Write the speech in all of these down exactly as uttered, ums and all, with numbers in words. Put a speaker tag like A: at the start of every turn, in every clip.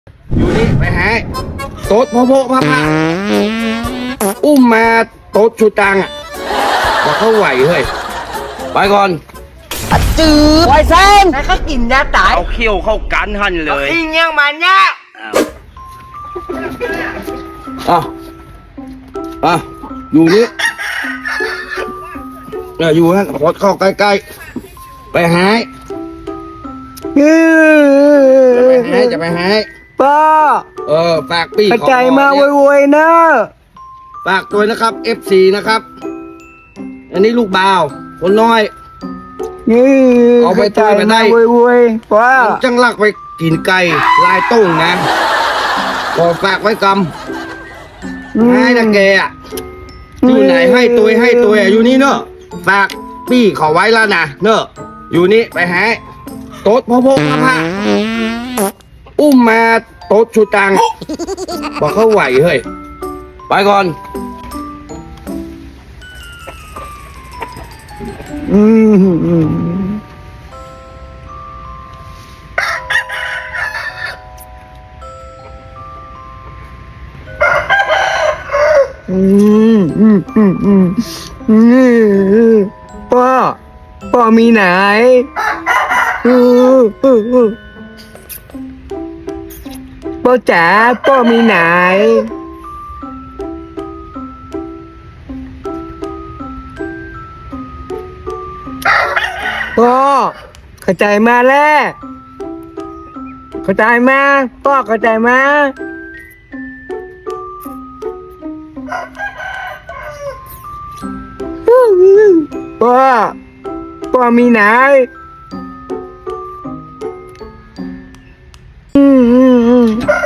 A: อยู่นี่ไปหาโต๊ดพ่อพ่อพระพระอุ้มมาโต๊ดชูตังอ่ะบอกเขาไหวเฮ้ยไปก่อน
B: จืดไวเส้นแล้วก็กินยาตาย
A: เอาเขี้ยวเข้ากันหันเลย
B: อิงยังมันเนี่ย
A: อ่ะอ่ะอยู่นี่เนี่ยอยู่ฮะขอเข้าใกล้ๆไปหาจะไปหาจะไปหา
B: ป้า
A: เออฝากปี
B: กระจายมาโวยๆนะ
A: ฝากตัวนะครับ เอฟ ซี นะครับอันนี้ลูกบ่าวคนน้อยเอาไปตัวไปได้
B: โวยๆป้า
A: จังลักไปกินไก่ลายต้งนะขอฝากไว้กำให้นะแกอ่ะอยู่ไหนให้ตัวให้ตัวอยู่นี่เนอะฝากปี้ขอไว้แล้วนะเนอะอยู่นี่ไปหาโต๊ดพ่อพ่อพระพระอุ้มมาโต๊ดชูตังบอกเขาไหวเฮ้ยไปก่อน
B: อืมอืมอืมอืมอืมอืมอืมพ่อพ่อมีไหนอืออืออือพ่อจ๋าพ่อมีไหนพ่อเข้าใจมาแล้วเข้าใจมาพ่อเข้าใจมาพ่อพ่อมีไหนอืมอืมอืม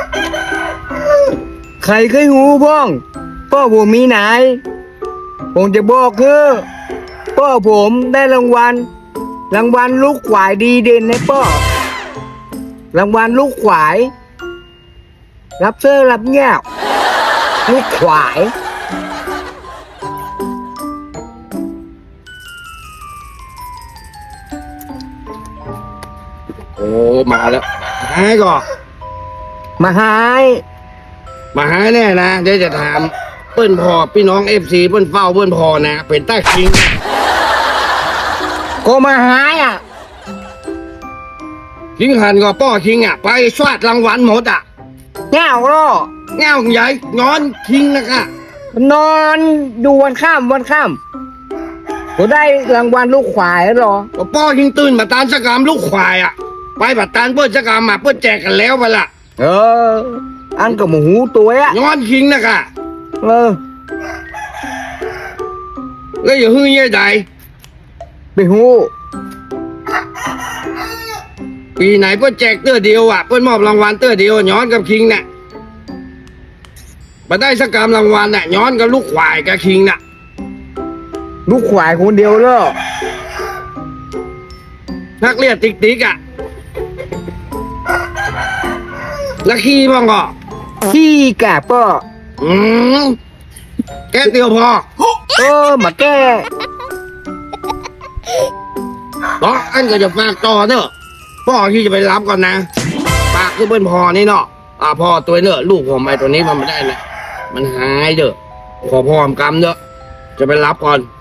B: ใครเคยหูบ้องพ่อผมมีไหนผมจะบอกคือพ่อผมได้รางวัลรางวัลลูกขวายดีเด่นในพ่อรางวัลลูกขวายรับเสื้อรับเงี้ยลูกขวาย
A: โอ้มาแล้วหายก่อน
B: มาหาย
A: มาหายแน่นะเดี๋ยวจะถามเปิ้นพอพี่น้องเอฟซีเปิ้นเฝ้าเปิ้นพอนะเป็นใต้คิง
B: ก็มาหายอ่ะ
A: คิงหันก็ป้อคิงอ่ะไปชวาดรางวัลหมดอ่ะ
B: เงาหรอ
A: เงาใหญ่ย้อนคิงนะคะ
B: นอนดูวันข้ามวันข้ามก็ได้รางวัลลูกขวายหรอ
A: ก็ป้อคิงตื่นมาตานสกรรมลูกควายอ่ะไปบัดตานเปิ้นสกรรมมาเปิ้นแจกกันแล้วไปละ
B: เอออันกับหมูตัวอ่ะ
A: ย้อนคิงนะคะ
B: เออ
A: แล้วอย่าหึ่งเย่ใด
B: ไปหู
A: ปีไหนเปิ้นแจกเตื้อเดียวอ่ะเปิ้นมอบรางวัลเตื้อเดียวย้อนกับคิงน่ะมาได้สักกรรมรางวัลน่ะย้อนกับลูกควายกับคิงน่ะ
B: ลูกขวายคนเดียวเลย
A: นักเรียนติ๊กติ๊กอ่ะแล้วขี้บ้างก็
B: ขี้กะป้อ
A: อืมแก้เดียวพอ
B: เออมาแก้
A: ต่ออันก็จะฝากต่อเนอะพ่อที่จะไปรับก่อนนะฝากคือเปิ้นพอนี่เนาะอ่าพ่อตัวเนอะลูกผมไอ้ตัวนี้มันไม่ได้นะมันหายเด้อขอพ่อมกรรมเนอะจะไปรับก่อน